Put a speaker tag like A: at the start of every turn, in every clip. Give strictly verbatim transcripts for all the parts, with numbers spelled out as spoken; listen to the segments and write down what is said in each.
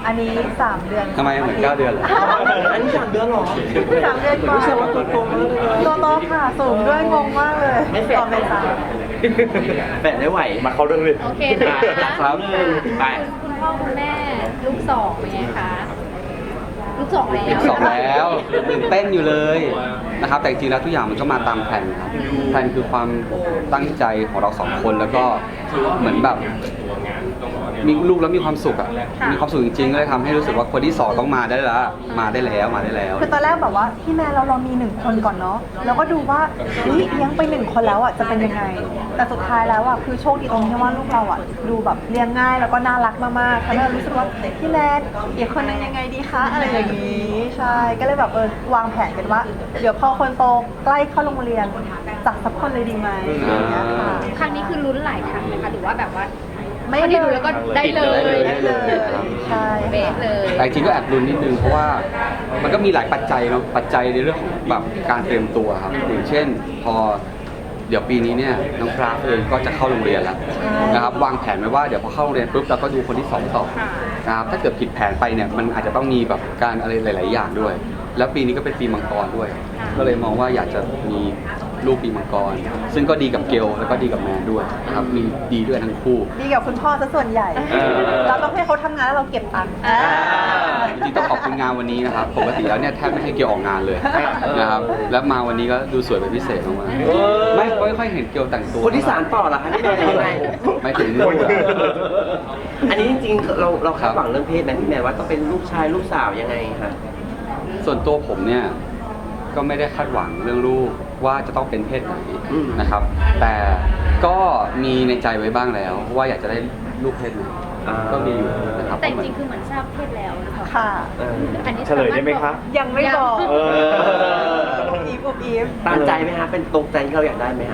A: อันนี้สามเดือน
B: ทำไมเหมือนเก้าเดือนเหรอ
C: อันนี้สามเดือนหรอ
A: สามเดือนกว่า
C: รู้สึกว่าตัวโตมากเลย
A: ตัวโตค่ะสูงด้วยงงมากเลย
C: ไม่แฝด
A: ตอนเป็นสาว
C: แฝดได้ไหว
D: มาเข้าเรื่องเลย
E: โอเคนะ
C: ค
E: คะ
C: รับไป
E: คุณพ่อคุณแม่ลูกสองเป็นไงคะลูกสองแล้ว
B: สองแล้วตื่นเต้นอยู่เลยนะครับแต่จริงๆแล้วทุกอย่างมันก็มาตามแผนครับแผนคือความตั้งใจของเราสองคนแล้วก็เหมือนแบบมีลูกแล้วมีความสุขอ่ะมีความสุขจริงๆก็เลยทำให้รู้สึกว่าคนที่สองต้องมาได้แล้วมาได้แล้วมาได้แล้ว
A: คือตอนแรกแบบว่าพี่แม่เราเรามีหนึ่งคนก่อนเนาะแล้วก็ดูว่าเฮ้ยเลี้ยงไปหนึ่งคนแล้วอ่ะจะเป็นยังไง แต่สุดท้ายแล้วอ่ะคือโชคดีตรงที่ว่าลูกเราอ่ะดูแบบเลี้ยงง่ายแล้วก็น่ารักมากๆทำให้เรารู้สึกว่าพี่แม่อีกคนนึงยังไงดีคะอะไรอย่างนี้ใช่ก็เลยแบบเออวางแผนกันว่า เดี๋ยวพอคนโตใกล้เข้าโรงเรียนจัดสักคนเลยดีไหมอย่างเงี้ยค่ะ
E: ครั้งนี้คือลุ้นหลายครั้งไหมคะหรือว่าแบบว่า
A: ไม่
E: ไม่ได้ดูแล้วก็ได้เลย
A: ได้เลยใช่
E: เบสเลย
B: แต่จริงๆก็แอบลุ้นนิดนึงเพราะว่ามันก็มีหลายปัจจัยเนาะปัจจัยในเรื่องของแบบการเตรียมตัวครับอย่างเช่น พอเดี๋ยวปีนี้เนี่ยน้องกราฟเองก็จะเข้าโรงเรียนแล้วนะครับวางแผนไว้ว่าเดี๋ยวพอเข้าโรงเรียนปุ๊บเราก็ดูคนที่สองต่อนะครับถ้าเกิดผิดแผนไปเนี่ยมันอาจจะต้องมีแบบการอะไรหลาย ๆ อย่างด้วย แล้วปีนี้ก็เป็นปีมังกรด้วย ก็เลยมองว่าอยากจะมีลูกปีมังกร ซึ่งก็ดีกับเกลแล้วก็ดีกับแมนด้วยนะครับมีดีด้วยทั้งคู่
A: ดีกับคุณพ่อซะส่วนใหญ่
B: เออ
A: เราต้องให้เขาทำงานแล้วเราเก็บตังค์
E: อ่า
B: จริงๆต้องขอบคุณงานวันนี้นะครับ ปกติแล้วเนี่ยแทบไม่ให้เกลออกงานเลยนะครับ แล้วมาวันนี้ก็ดูสวยเป็นพิเศษมากๆไม่ไม่ค่อยเห็นเกลแต่งตัว
C: คนที่สารต่อเหรอคะพี่แมนยังไง
B: ไม่ถึง
C: อันนี้จริงๆเราเราคาดหวังเรื่องเพศไหมพี่แมนว่าต้องเป็นลูกชายลูกสาวยังไงคะ
B: ส่วนตัวผมเนี่ยก็ไม่ได้คาดหวังเรื่องลูกว่าจะต้องเป็นเพศไหนนะครับ แต่ก็มีในใจไว้บ้างแล้วว่าอยากจะได้ลูกเพศไหนก็มีอยู่นะครับ
E: แต่จริงๆคือเหมือนทราบเพศแล้วหรือเปล่า
A: ค่ะ
C: เออ
E: อันนี้
D: เฉลยได้ไหมคะ
A: ยังไม่บอก
D: เออ
A: อุบอีฟอุบอีฟ
C: ตามใจไหมฮะเป็นตรงใจที่เราอยากได้ไหมฮะ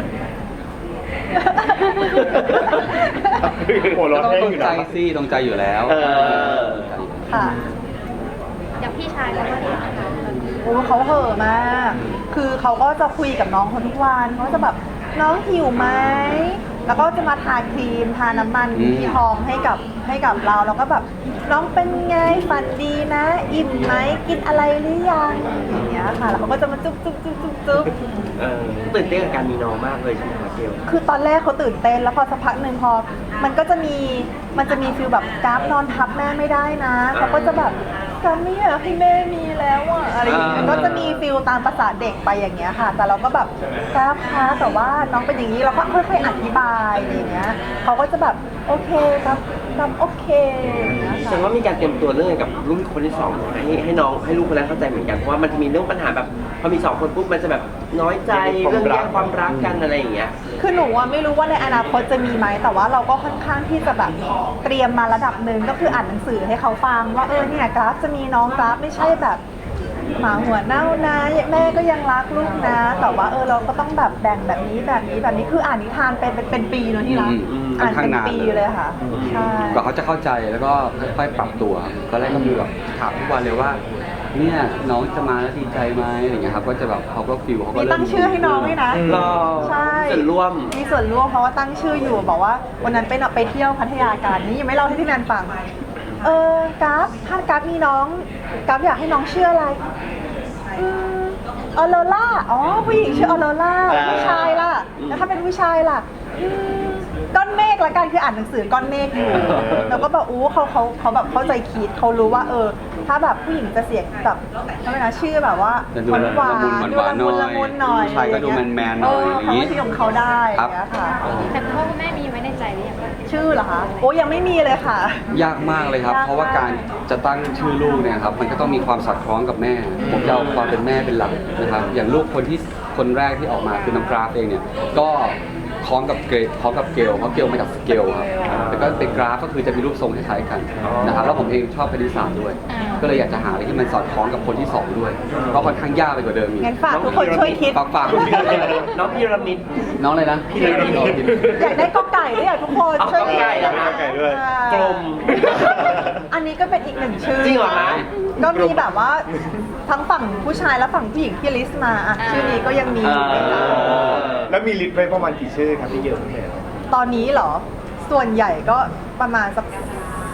D: หัว
B: ก็
D: เร้อน
B: ต้อง
D: แห้ง
B: ตรง
D: อยู่
B: ใจ
D: นะ
B: สิตรงใจอยู่แล้ว
C: เออ
A: ค่ะ
E: อย่างพี่ชายแล้วว่าเนี่ยนะคะ
A: โอ้เขาเห่อะมาก คือเขาก็จะคุยกับน้องคนทุกวันเขาจะแบบน้องหิวไหม แล้วก็จะมาทาครีมทาน้ำมัน
B: อืม
A: ที่ทองให้กับให้กับเรา แล้วก็แบบน้องเป็นไงฝันดีนะ อิ่มไหมกินอะไรหรือยังอย่างเงี้ยค่ะ แล้วเขาก็จะมาจุ๊บจุ๊บจุ๊บจุ๊บจุ๊บ
C: เออตื่นเต้นกับการมีน้องมากเลยใช่ไหมคะเกล
A: คือตอนแรกเขาตื่นเต้นแล้วพอสักพักหนึ่งพอ มันก็จะมีมันจะมีฟีลแบบกราฟนอนทับแม่ไม่ได้นะเขาก็จะแบบกราฟไม่อยากให้แม่มีแล้วอะอะไรอย่างเงี้ย
B: อ่า
A: ก็จะมีฟีลตามภาษาเด็กไปอย่างเงี้ยค่ะ แต่เราก็แบบกราฟคะแต่ว่าน้องเป็นอย่างนี้เราก็ค่อยๆอธิบายอะไรอย่างเงี้ยเขาก็จะแบบโอเคครับครับโอเคอย่างเงี้ย
C: แสด
A: ค่ะ
C: งว่ามีการเตรียมตัวเรื่องกับลูกคนที่สองให้ให้น้องให้ลูกคนแรกเข้าใจเหมือนกันเพราะว่ามันจะมีเรื่องปัญหาแบบพอมีสองคนปุ๊บมันจะแบบน้อยใจเรื่องแย่งความรักกันอะไรอย่างเงี้ย
A: คือหนูอะไม่รู้ว่าในอนาคตจะมีไหมแต่ว่าเราก็ค่อนข้างที่จะแบบเตรียมมาระดับหนึ่งก็คืออ่านหนังสือให้เขาฟังว่าเออเนี่ยกราฟจะมีน้องกราฟไม่ใช่แบบหมาหัวเน่านะแม่ก็ยังรักลูกนะ แต่ว่าเออเราก็ต้องแบบแบ่งแบบนี้แบบนี้แบบนี้คืออ่านนิทานเป็นเป็นเป็นปีเนอะที่รัก
B: อืม
A: อ่านเป็น
B: ค่อนข้างนาน
A: ปีเลยค่ะใช่
B: กว่าเขาจะเข้าใจแล้วก็ค่อยๆปรับตัวตอนแรกก็มีแบบถามทุกวันเลยว่า เนี่ยน้องจะมาแล้วดีใจไหมอะไรอย่างเงี้ยครับก็จะแบบเขาก็ฟิลเขาก็
A: มี
B: เริ่ม
A: ตั้งชื่อให้น้องด้วยนะ
C: รอ
A: ใช่
C: ส่วนร่วม
A: มีส่วนร่วมเพราะว่าตั้งชื่ออยู่บอกว่าวันนั้นไปเนอะไปเที่ยวพัทยากันนี่ยังไม่เล่าให้พี่แมนฟังเออกราฟถ้ากราฟมีน้องกราฟอยากให้น้องชื่ออะไรอืมออโรล่าอ๋อผู้หญิงชื่อออโรล่าผู้ชายล่ะแล้วถ้าเป็นผู้ชายล่ะอืมก้อนเมฆละกันคืออ่านหนังสือก้อนเมฆอยู่แล้วก็แบบอู้เขาเขาเขาแบบเข้าใจคิดเขารู้ว่าเออ ถ้าแบบผู้หญิงจะเสียงแบบทำไมนะชื่อแบบว่า
B: จะดู
A: หวาน
B: ละมุน
A: ดู
B: หวานๆ
A: ละมุนละมุนหน่อย
B: ผู้ชายก็ดูแมนๆหน่อย
A: เออ
B: อย่างงี้
A: เขาก็ชื่อของเขาได้อย่างเงี้ยค่ะ
E: แต่คุณพ่อคุณแม่มีไว้ในใจหรือยังคะ
A: ชื่อเหรอคะโอ้ยังไม่มีเลยค่ะ
B: ยากมากเลยครับ
A: ยากมาก
B: เพราะว่าการจะตั้งชื่อลูกเนี่ยครับมันก็ต้องมีความสอดคล้องกับแม่ ผมจะเอาความเป็นแม่เป็นหลักนะครับ อย่างลูกคนที่คนแรกที่ออกมาคือน้องกราฟเองเนี่ยก็คล้องกับเกรคล้องกับเกลเพราะเกลมาจากสเกลครับแล้วก็เป็นกราฟก็คือจะมีรูปทรงคล้ายๆกันนะครับแล้วผมเองชอบคณิตศาสตร์ด้วย ก็เลยอยากจะหาอะไรที่มันสอดคล้องกับคนที่สองด้วยเพราะค่อนข้างยากไปกว่าเดิมอีก
A: งั้นฝากทุกคนช่วยคิด
B: ฝากฝาก
C: น้องพีระมิด
B: น้องเลยนะ
C: พี่เลยนะ
A: อยากได้กอไก่ด้วยอ่ะทุกคน
C: เอา
A: ช่วยคิด
C: กอไก่เหรอคะ
D: กอไก่ด้วย
A: อ่าก
C: ลม
A: อันนี้ก็เป็นอีกหนึ่งชื่อ
C: จริงเหรอคะ
A: ก็มีแบบว่าทั้งฝั่งผู้ชายและฝั่งผู้หญิงที่ลิสต์มาอ่ะชื่อนี้ก็ยังมีอยู่ในนั้น
D: แล้วมีลิสต์ไว้ประมาณกี่ชื่อครับพี่เกลพี่แมน
A: ตอนนี้เหรอ ส่วนใหญ่ก็ประมาณสัก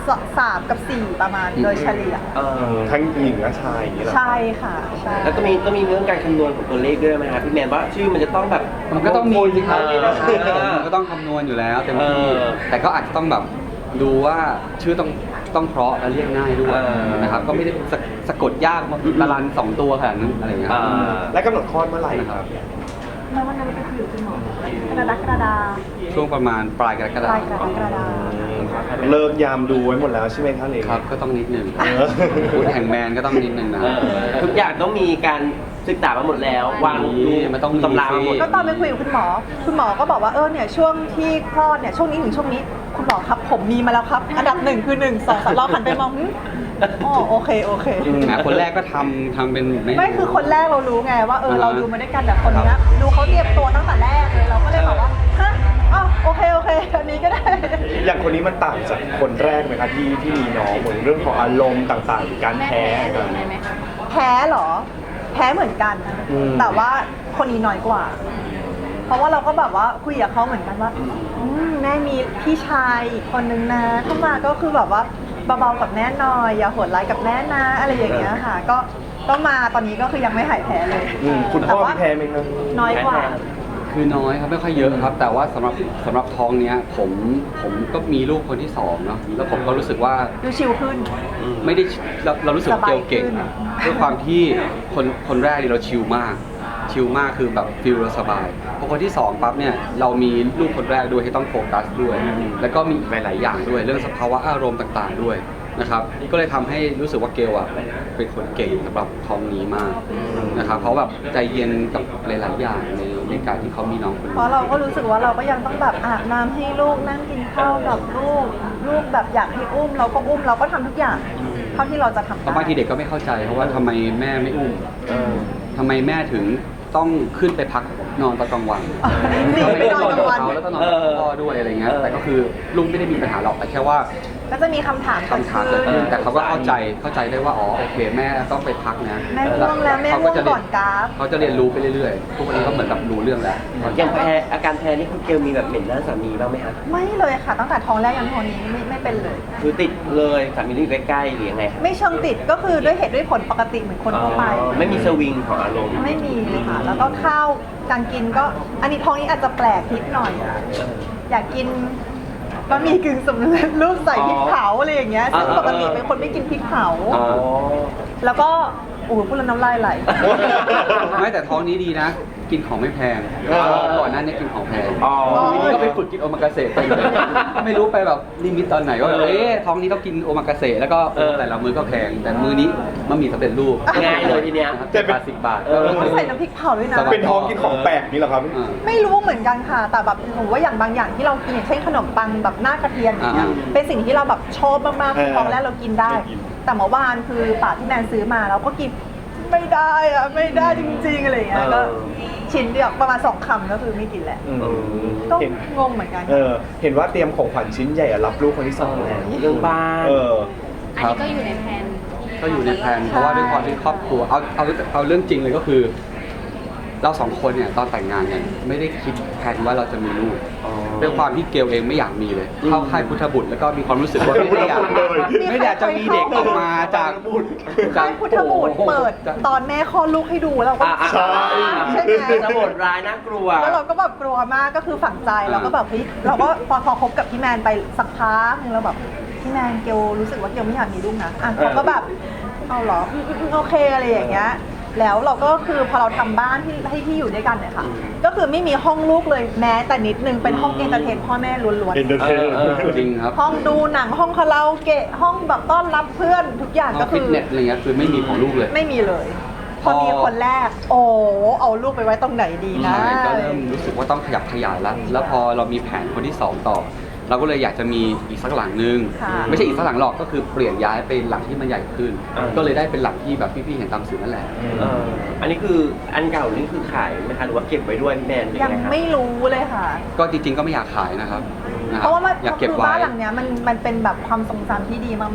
A: สสามกับสี่ประมาณโดยเฉลี่ย
C: เออ
D: ทั้งหญิงและชายอย่างนี้เหรอ
A: ใช่ค่ะใช่
C: แล้วก็มีก็มีเรื่องการคำนวณของตัวเลขด้วยไหมฮะพี่แมนว่าชื่อมันจะต้องแบบ
B: มันก็ต้องมีสิครับ
C: เออ
B: มันก็ต้องคำนวณอยู่แล้วเต็มที่
C: เออ
B: แต่ก็อาจจะต้องแบบดูว่าชื่อต้องต้องเพราะและเรียกง่ายด้วย
C: เออ
B: นะครับก็ไม่ได้สะสะกดยากมาละลันสองตัวขนาดนั้นอะไรอย่างเงี้ย
C: อ่า
D: และกำหนดคลอดเมื่อไหร่ครับ
A: แล้ววันนั้นไปคุยกับคุณหมอกระดากระดา
B: ช่วงประมาณปลายกรก
A: ป
B: ฎา
A: ลาย
B: ค
A: ก
B: ม
A: รกฎา
D: เลิกยามดูไว้หมดแล้วใช่ไหมครับเลย
B: ครับก็ต้องนิดนึง
D: เออ
B: พูดแห่งแมนก็ต้องนิดนึงนะ
C: เออทุกอย่างต้องมีการศึกษามาหมดแล้ว วาง
B: มีมันต้องมี
C: ตำรามาหมด
B: สิ
A: ก็ตอนไปคุยกับคุณหมอ คุณหมอก็บอกว่าเออเนี่ยช่วงที่คลอดเนี่ยช่วงนี้ถึงช่วงนี้คุณหมอครับผมมีมาแล้วครับ อันดับหนึ่งคือหนึ่งสองสามเราหันไปมองหึอ๋อโอเคโอเค
B: แหมคนแรกก็ทำทำเป็น
A: ไม่คือคนแรกเรารู้ไงว่าเออ
B: อ่าฮะ
A: เราดูมาด้วยกันแต่คนเนี้ยดูเขาเตรียมตัวตั้งแต่แรกเลยเราก็เลยบอกว่าฮะอ๋อโอเคโอเคอันนี้ก็ได้
D: อย่างคนนี้มันต่างจากคนแรกไหมครับที่ที่มีน้องเหมือนเรื่องของอารมณ์ต่างๆหรือการ
E: แม่
D: แพ้
E: แพ้เลยไหมคะ
A: แพ้เหรอ แพ้เหมือนกัน
D: อืม
A: แต่ว่าคนนี้น้อยกว่า เพราะว่าเราก็แบบว่าคุยกับเขาเหมือนกันว่าอืมแม่มีพี่ชายอีกคนนึงนะเข้ามาก็คือแบบว่าเบาๆกับแม่หน่อยอย่าโหดร้ายกับแม่นะอะไรอย่างเงี้ยค่ะ ก็ก็มาตอนนี้ก็คือยังไม่หายแพ้เลย
D: อืมคุณพ่อ
A: แต่ว่า
D: มีแพ้ไหมครับ
A: น้อยกว่า
B: คือน้อยครับไม่ค่อยเยอะครับ แต่ว่าสำหรับสำหรับท้องเนี้ยผมผมก็มีลูกคนที่สองเนาะแล้วผมก็รู้สึกว่า
A: ดูชิลขึ้น
B: ไม่ได้เราเรารู้สึกว่าเกลเก่ง
A: สบายขึ้น
B: ด้วยความที่คนคนแรกนี่เราชิลมาก ชิลมากคือแบบฟิลเราสบายพอคนที่สองปั๊บเนี่ยเรามีลูกคนแรกด้วยที่ต้องโฟกัสด้วย แล้วก็มีอีกหลาย ๆ อย่างด้วย เรื่องสภาวะอารมณ์ต่าง ๆ ด้วยนะครับก็เลยทำให้รู้สึกว่าเกลอ่ะเป็นคนเก่งสำหรับท้องนี้มากนะครับเพราะแบบใจเย็นกับหลาย ๆ อย่างในในการที่เขามีน้องคน
A: เพ
B: นี้
A: ราะเราก็รู้สึกว่าเราก็ยังต้องแบบอาบน้ำให้ลูกนั่งกินข้าวกับลูก ลูกแบบอยากให้อุ้ม เราก็อุ้มเราก็ทำทุกอย่างเท่าที่เราจะทำ
B: เพ
A: ได้
B: ราะบางทีเด็กก็ไม่เข้าใจเพราะว่าทำไมแม่ไม่อุ้มทำไมแม่ถึงต้องขึ้นไปพักนอนตอนกลางวัน
A: หนีไปนอนกลางวัน
B: เขาแล้วก็นอนกับพ่อด้วยอะไรเงี้ยแต่ก็คือลุงไม่ได้มีปัญหาหรอกแต่แค่ว่า
A: ก็จะมีคำถาม
B: คำถามเกิดขึ้นแต่เขาก็เข้าใจเข้าใจได้ว่าอ๋อโอเคแม่ต้องไปพักนะ
A: แม่ง่วงแล้วแม่
B: เขา
A: ง่วง
B: จะเรี
A: ก่
B: ย
A: อนกราฟ
B: เขาจะเรียนรู้ไปเรื่อยๆทุกวันนี้ก็เหมือนกับรู้เรื่องแล้ว
C: อย่างแพ้อาการแพ้นี่คุณเกลมีแบบเหม็นหน้าสามีบ้างไหมฮะ
A: ไม่เลยค่ะตั้งแต่ท้องแรกยันท้องนี้ไม่ไม่เป็นเลย
C: คือติดเลยสามีที่อยู่ใกล้ๆหรือยังไงฮะ
A: ไม่เชิงติดก็คือด้วยเหตุด้วยผลปกติเหมือนคนทั่วไป
C: อ๋อไม่มีสวิงของอารมณ์
A: ไม่มีเลยค่ะ แล้วก็ข้าวการกินก็อันนี้ท้องนี้อาจจะแปลกนิดหน่อย อยากกินบะหมี่กึ่งสำเร็จรูปใส่พริกเผาอะไรอย่างเงี้ยซึ่ง
C: อ่า
A: ปกติเป็นคนไม่กินพริกเผา
C: อ๋อ
A: แล้วก็โอ้โหพูดแล้วน้ำลายไหล
B: ไม่แต่ท้องนี้ดีนะ กินของไม่แพง
D: อ๋อ
B: ก่อนหน้านี้กินของแพง
C: อ๋อ
B: ทีนี้ก็ไปฝึกกินโอมากาเสะไปเลยไม่รู้ไปแบบลิมิตตอนไหนว่าเอ๊ะท้องนี้ต้องกินโอมากาเสะแล้วก็โอ้แต่ละมื้อก็แพง แต่มื้อนี้มันมีสำเร็จรูป
C: ง่ายเลยทีเนี้ย
B: เจ็ดบาทสิบบาท
C: เออ
A: ใส่น้ำพริกเผาด้วยนะ
B: สบาย
D: เป็นท้องกินของแปลกนี่เหรอครับ
B: อ่า
A: ไม่รู้เหมือนกันค่ะ แต่แบบผมว่าอย่างบางอย่างที่เรากินอย่างเช่นขนมปังแบบหน้ากระเทียมอย่างเงี้ย
B: อ่า
A: เป็นสิ่งที่เราแบบชอบมากๆ
D: เออ
A: ท้องแรกเรากินได้
D: ไม่กิน
A: แต่เมื่อวานคือป่าที่แมนซื้อมาเราก็กินไม่ได้อะไม่ได้จริงๆอะไรอย่างเงี้ย
C: เออ
A: ก็ชิ้นเดียวประมาณสองคำก็คือไม่กินแหละ
D: อืม
A: ก็
D: เห็น
A: งงเหมือนกัน
D: เออเห็นว่าเตรียมของขวัญชิ้นใหญ่อะรับลูกคนที่สองแล้ว
C: เรื่องบ้าน
D: เออ
E: อันนี้ก็อยู่ในแผน
B: ก็อยู่ในแผนเพราะว่าด้วยความที่ครอบครัวเอาเอาเอาเรื่องจริงเลยก็คือ เราสองคนเนี่ยตอนแต่งงานเนี่ยไม่ได้คิดแผนว่าเราจะมีลูกด้วยความที่เกลเองไม่อยากมีเลยเข้าค่ายพุทธบุตรแล้วก็มีความรู้สึกว่าไม่ได้อยาก
D: เลย
B: ไม่ได้อยากจะมีเด็กออกมาจาก
A: ค่ายพุทธบูตรเปิดตอนแม่คลอดลูกให้ดูแล้วก็
C: อ่า
D: ใช่
A: ใช่ไหม
C: จะโหดร้ายน่ากลัว
A: แล้วเราก็แบบกลัวมากก็คือฝังใจเราก็แบบเฮ้ยเราก็พอพอคบกับพี่แมนไปสักพักนึงเราแบบพี่แมนเกลรู้สึกว่าเกลไม่อยากมีลูกนะอ่ะเขาก็แบบเอาเหรออืมอืมอืมโอเคอะไรอย่างเงี้ยแล้วเราก็คือพอเราทำบ้านที่ให้ที่อยู่ด้วยกันเนี่ยค่ะ ก็คือไม่มีห้องลูกเลยแม้แต่นิดนึงเป็นห้องเอนเตอร์เทนพ่อแม่ล้วน
D: เอนเตอร์เทน
C: เออ
B: จริงครับ
A: ๆห้องดูหนังห้องคาราโอเกะห้องแบบต้อนรับเพื่อนทุกอย่าง
B: ห้
A: ก็
B: อง
A: คื
B: ฟิต
A: อ
B: เนสอะไรเงี้ยคือไม่มีของลูกเลย
A: ไม่มีเลย พอมีคนแรก โอ้เอาลูกไปไว้ตรงไหนดีนะ
B: ใช่ก็เริ่มรู้สึกว่าต้องขยับขยายแล้ว แล้วพอเรามีแผนคนที่สองต่อ เราก็เลยอยากจะมีอีกสักหลังนึง
A: ค่ะ
B: ไม่ใช่อีกสักหลังหรอกก็คือเปลี่ยนย้ายไปหลังที่มันใหญ่ขึ้น
C: อ่า
B: ก็เลยได้เป็นหลังที่แบบพี่ๆเห็นตามสื่อนั่นแหละ
C: เอออันนี้คืออันเก่านี่คือขายไหมคะหรือว่าเก็บไว้ด้วยพี่แมนหรือ
A: ยัง
C: ไงครับ
A: ไม่รู้เลยค่ะ
B: ก็จริงๆก็ไม่อยากขายนะครับนะค
A: เพ
B: บ
A: ราะว่ามัน
B: อยากเก็บ
A: คือ
B: ไว้
A: บ้านหลังเนี้ยมันมันเป็นแบบความทรงจำที่ดีมากๆ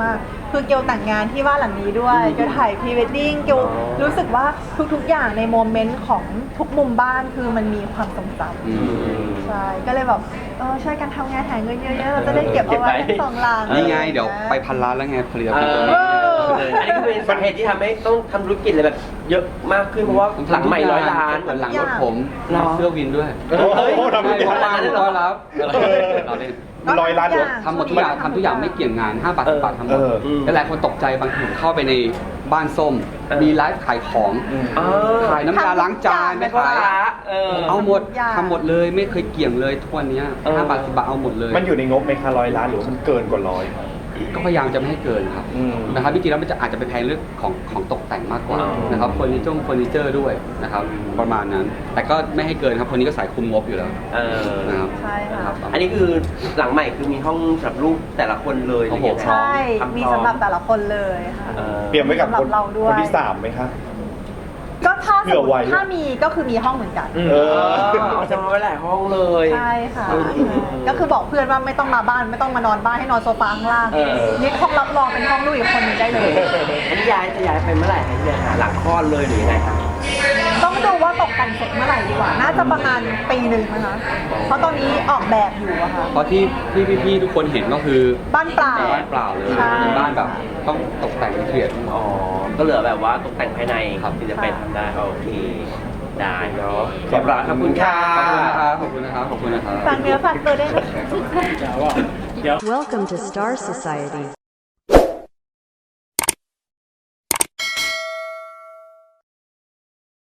A: คือเกียวแต่งงานที่บ้านหลังนี้ด้วยเกียวถ่ายพรีเวดดิ้งเกียวรู้สึกว่าทุกๆอย่างในโมเมนต์ของทุกมุมบ้านคือมันมีความทรงจ
B: อืม
A: ำใช่ก็เลยแบบเออช่วยกันทำงานหาเงินเยอะๆเราจะได้เก็บเอาไว้ทั้งสองหลัง
B: นี่ไงเดี๋ยวไปพันล้านแล้วไงผลิต
C: เอ
B: ภัณฑ์ตัว
C: อ
B: นี้
C: เอออันนี้ก็เป็นสาเหตุที่ทำให้ต้องทำธุรกิจอะไรแบบเยอะมากขึ้นเพราะว่าหลังใหม่ร้อยล้าน
B: เหมือนหลังรถผม
C: หรอ
B: เสื้อวินด้วย
D: โอ้โหทำทุกอย่าง
B: ว่างๆก็รับเราเล่น
D: ร้อยล้าน
B: ทำหมดทุกอย่างทำทุกอย่างไม่เกี่ยงงานห้าบาทสิบบาททำหมด
D: เออ
B: แล้วหลายคนตกใจบางทีผมเข้าไปในบ้านส้ม
C: เออ
B: มีไลฟ์ขายของ
C: เออ
B: ขายน้ำยาล้างจานไม่
C: พ่อ
B: ขาย
C: ค้าเออ
B: เอาหมด
A: ทุกอย่าง
B: ทำหมดเลยไม่เคยเกี่ยงเลยทุกวันเนี้ย
C: เออ
B: ห้าบาทสิบบาทเอาหมดเลย
D: มันอยู่ในงบไหมคะร้อยล้านหรือว่ามันเกินกว่าร้อย
B: ก็พยายามจะไม่ให้เกินครับ
D: อืม
B: นะครับจริงๆแล้วมันจะอาจจะไปแพงเรื่องของของตกแต่งมากกว่า
C: อ๋อ
B: นะครับเฟอร์นิเจอร์เฟอร์นิเจอร์ด้วยนะครับประมาณนั้น แต่ก็ไม่ให้เกินครับคนนี้ก็สายคุมงบอยู่แล้ว
C: เออ
B: นะครับ
A: ใช่ค่ะ
B: นะครับ
C: อันนี้คือหลังใหม่คือมีห้องสำหรับลูกแต่ละคนเลยหรือยังไง
A: ใช่
C: ทำพร้อ
A: มีสำหรับแต่ละคนเลยค่ะ
C: เออ
D: เตรียมไว้กับ
A: สำหรั
D: ค
A: บ
D: น
A: เราด้วย
D: คนที่สามไหมคะ
A: ก็ถ้าส
D: เผื่
A: ม
D: อ
A: ม
D: ไว้
A: ติถ้ามีก็คือมีห้องเหมือนกัน
D: เอ
C: เอ
D: อ
C: อจะมาไว้หลายห้องเลย
A: ใช่ค่ะ
C: อืม
A: ก็คือบอกเพื่อนว่าไม่ต้องมาบ้านไม่ต้องมานอนบ้านให้นอนโซฟาข้างล่าง
C: เออ
A: นี่ห้องรับรองเป็นห้องลูกอีกคนหนึงได้เลย
C: อันนี้ย้ายจะย้ายไปเมื่อไหร่คะเนี่ยหาหลังคลอดเลยหรือยังไงคะ
A: ต้องดูว่าตกแต่งเสร็จเมื่อไหร่ดีกว่า น่าจะประมาณปีหนึ่งนะคะ เพราะตอนนี้ออกแบบอยู่อะค่ะ
B: เพราะที่ที่พี่ๆทุกคนเห็นก็คือ
A: บ้านเปล่า
B: เป็นบ้านเปล่าเลย
A: ใช่
B: เป็นบ้านแบบต้องตกแต่งละเอียด
C: อ๋อ ก็เหลือแบบว่าตกแต่งภายใน
B: ครับ
C: ที่จะไปทำได้โอเค ได้เนาะ
D: ขอบคุณ
C: ขอบคุณค่ะ
B: ขอบคุณนะครับขอบคุณนะครับขอบคุณนะครับ
A: ฝากเนื้อฝากตัวด้วยนะคะ
F: Welcome to Star Society.